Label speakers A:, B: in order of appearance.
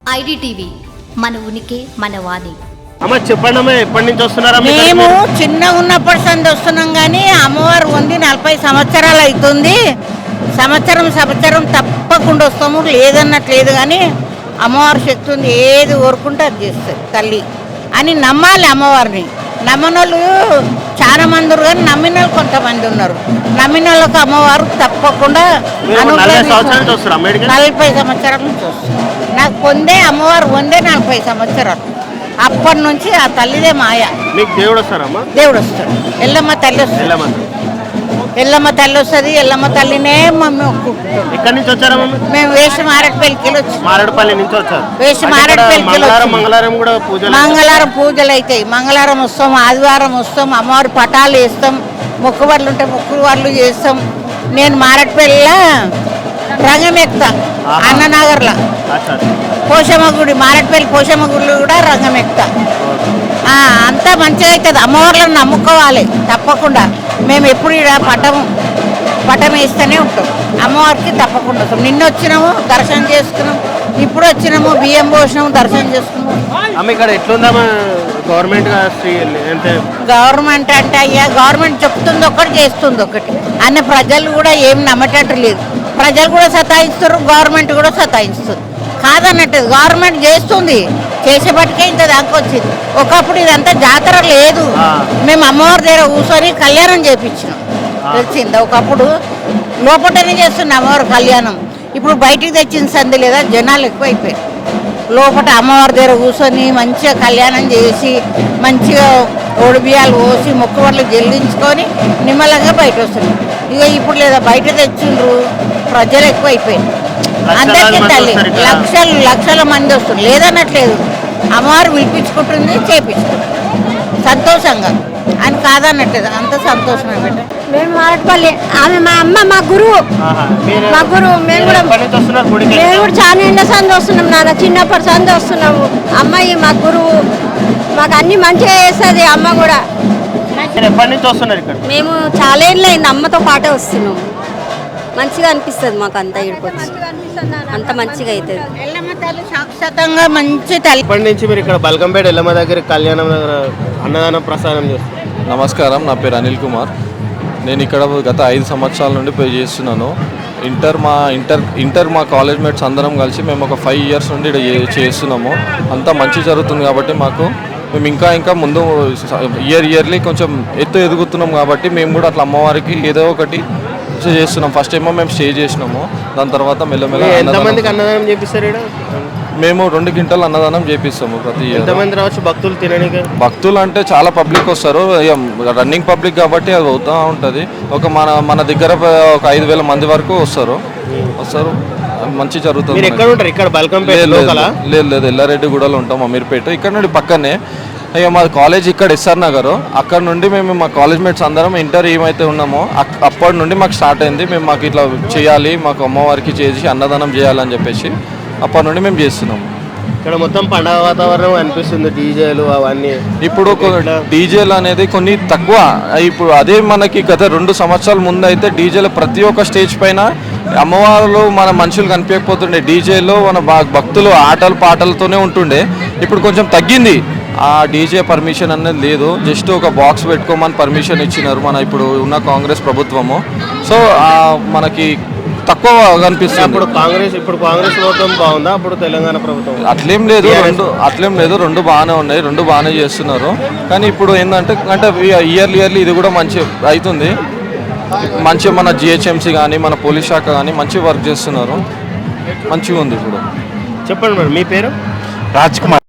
A: IDTV మన ఉనికి మన వాణి.
B: అమ్మ చెప్పండి, ఎప్పటి నుంచి వస్తున్నారా?
C: మేము చిన్నగా ఉన్నప్పటి సంది వస్తున్నాం కానీ అమ్మవారు ఉంది 40 సంవత్సరాలు అవుతుంది. సంవత్సరం తప్పకుండా వస్తాము, లేదన్నట్లేదు. కానీ అమ్మవారి శక్తి ఉంది, ఏది కోరుకుంటే అది చేస్తుంది తల్లి అని నమ్మాలి. అమ్మవారిని నమ్మనోళ్ళు చాలా మంది ఉన్నారు, కానీ నమ్మిన వాళ్ళు కొంతమంది ఉన్నారు. నమ్మిన వాళ్ళకు అమ్మవారు తప్పకుండా 40 సంవత్సరాల నుంచి వస్తుంది. నాకు పొందే అమ్మవారు పొందే 40 సంవత్సరాలు. అప్పటి నుంచి ఆ తల్లిదే మాయ.
B: మీకు దేవుడు వస్తారమ్మా?
C: దేవుడు వస్తాడు, ఎల్లమ్మ తల్లి వస్తుంది. ఎల్లమ్మ తల్లి వస్తుంది. ఎల్లమ్మ తల్లినే మమ్మీ ఒప్పుకుంటాం.
B: ఎక్కడి నుంచి వచ్చారమ్మా?
C: మేము వేసి మారేడుపల్లికి వచ్చి
B: మారేడుపల్లి నుంచి వచ్చారు.
C: వేసి మారేడుపల్లికి
B: మంగళవారం కూడా పూజలు,
C: మంగళవారం పూజలు అవుతాయి. మంగళవారం వస్తాం, ఆదివారం వస్తాం, అమ్మవారి పటాలు వేస్తాం, మొక్కుబడులు ఉంటే మొక్కుబడులు చేస్తాం. నేను మారేడుపల్లిలో రంగం ఎక్కుతా, అన్ననగర్లో పోషమ్మ గుడి, మారేడుపల్లి పోషమ్మ గుడి కూడా రంగం ఎక్కుతా. అంతా మంచిగా అవుతుంది. అమ్మవార్లను నమ్ముకోవాలి తప్పకుండా. మేము ఎప్పుడు ఇక్కడ పటం వేస్తూనే ఉంటాం. అమ్మవారికి తప్పకుండా వస్తాం. నిన్న వచ్చినాము, దర్శనం చేసుకున్నాం. ఇప్పుడు వచ్చినాము, బియ్యం పోసినాము, దర్శనం చేసుకున్నాము.
B: ఇక్కడ ఎట్లుందామా గవర్నమెంట్?
C: గవర్నమెంట్ అంటే అయ్యా, గవర్నమెంట్ చెప్తుంది ఒకటి, చేస్తుంది ఒకటి. అన్న ప్రజలు కూడా ఏం నమ్మటట్టు లేదు. ప్రజలు కూడా సతాయిస్తారు, గవర్నమెంట్ కూడా సతాయిస్తుంది. కాదన్నట్టు గవర్నమెంట్ చేస్తుంది, చేసేపటికే ఇంత దాకా వచ్చింది. ఒకప్పుడు ఇదంతా జాతర లేదు. మేము అమ్మవారి దగ్గర కూర్చొని కళ్యాణం చేయించినాం, తెలిసింది. ఒకప్పుడు లోపలనే చేస్తున్నాం అమ్మవారి కళ్యాణం. ఇప్పుడు బయటికి తెచ్చిన సంది లేదా, జనాలు ఎక్కువైపోయారు. లోపల అమ్మవారి దగ్గర కూర్చొని మంచిగా కళ్యాణం చేసి, మంచిగా ఒడిబియ్యాలు పోసి, మొక్కుబడులు చెల్లించుకొని నిమ్మలంగా బయట వస్తున్నాం. ఇక ఇప్పుడు లేదా, బయట తెచ్చిండ్రు, ప్రజలు ఎక్కువైపోయారు. అందరికీ తల్లి లక్షల మంది వస్తుంది, లేదన్నట్లేదు. అమ్మవారు పిలిపించుకుంటుంది, చేపించుకుంటుంది సంతోషంగా అని, కాదన్నట్లేదు. అంత సంతోషమే బిడ్డ.
D: మేము మారట్పల్లి, ఆమె మా అమ్మ, మా గురువు. మేము కూడా చాలా ఎండ సంది వస్తున్నాం నాన్న, చిన్నప్పటి సంది వస్తున్నాము. అమ్మాయి మా గురువు, మాకు అన్ని మంచిగా చేస్తుంది అమ్మ కూడా.
B: ఎప్పటి నుంచి వస్తున్నారు ఇక్కడ?
D: మేము చాలా ఏళ్ళు అయింది అమ్మతో పాటే వస్తున్నాము. మంచిగా అనిపిస్తుంది మాకు అంతా, ఇడికొచ్చి అంత మంచిగా అవుతుంది.
C: ఎల్లమ్మ తల్లి సాక్షాత్తంగా మంచి తల్లి.
B: ఇప్పటి నుంచి మీరు ఇక్కడ బల్కంపేట ఎల్లమ్మ దగ్గర కళ్యాణం దగ్గర అన్నదానం ప్రసాదం చేస్తారు.
E: నమస్కారం, నా పేరు అనిల్ కుమార్. నేను ఇక్కడ గత 5 సంవత్సరాల నుండి పే చేస్తున్నాను. ఇంటర్ మా కాలేజ్ మేట్స్ అందరం కలిసి మేము ఒక 5 years నుండి ఇక్కడ చేస్తున్నాము. అంతా మంచి జరుగుతుంది కాబట్టి మేము ఇంకా ముందు ఇయర్లీ కొంచెం ఎదుగుతున్నాం కాబట్టి మేము కూడా అట్లా అమ్మవారికి ఏదో ఒకటి చేస్తున్నాం. ఫస్ట్ ఏమో మేము స్టే చేసినాము, దాని తర్వాత మెల్లమెల్ల
B: అన్నదానం చేపిస్తారు.
E: మేము 2 క్వింటాలు అన్నదానం చేపిస్తాము ప్రతి ఇయర్.
B: ఎంతమంది రావచ్చు భక్తులు తినడానికి?
E: భక్తులు అంటే చాలా పబ్లిక్ వస్తారు, రన్నింగ్ పబ్లిక్ కాబట్టి అది అవుతూ ఉంటుంది. మన దగ్గర ఒక 5,000 మంది వరకు వస్తారు. మంచి జరుగుతుంది. లేదు, ఎల్లారెడ్డిగూడలో ఉంటాం, అమీర్పేట. ఇక్కడ నుండి పక్కనే మా కాలేజ్ ఇక్కడ ఎస్ఆర్ నగర్. అక్కడ నుండి మేము మా కాలేజ్ మేట్స్ అందరం ఇంటర్ ఏమైతే ఉన్నామో అప్పటి నుండి మాకు స్టార్ట్ అయింది. మాకు ఇట్లా చేయాలి, మాకు అమ్మవారికి చేసి అన్నదానం చేయాలని చెప్పేసి అప్పటి నుండి మేము చేస్తున్నాము.
B: ఇక్కడ మొత్తం పండగ వాతావరణం అనిపిస్తుంది, డీజేలు అవన్నీ.
E: ఇప్పుడు డీజేలు అనేది కొన్ని తక్కువ. ఇప్పుడు అదే మనకి గత 2 సంవత్సరాల ముందు అయితే డీజేలు ప్రతి ఒక్క స్టేజ్ పైన అమ్మవారు మన మనుషులు కనిపించకపోతుండే. డీజేలో మన భక్తులు ఆటలు పాటలతోనే ఉంటుండే. ఇప్పుడు కొంచెం తగ్గింది. ఆ డీజే పర్మిషన్ అనేది లేదు, జస్ట్ ఒక బాక్స్ పెట్టుకోమని పర్మిషన్ ఇచ్చినారు మన ఇప్పుడు ఉన్న కాంగ్రెస్ ప్రభుత్వము. సో మనకి తక్కువ కనిపిస్తుంది.
B: ఇప్పుడు కాంగ్రెస్ ప్రభుత్వం బాగుందా, అప్పుడు తెలంగాణ ప్రభుత్వం?
E: అట్లేం లేదు, రెండు బాగానే ఉన్నాయి, 2 బాగానే చేస్తున్నారు. కానీ ఇప్పుడు ఏంటంటే ఇయర్లీ ఇది కూడా మంచి అవుతుంది. మంచిగా మన జిహెచ్ఎంసీ కానీ మన పోలీస్ శాఖ కానీ మంచి వర్క్ చేస్తున్నారు, మంచిగా ఉంది. ఇప్పుడు
B: చెప్పండి మేడం, మీ పేరు?
F: రాజ్ కుమార్.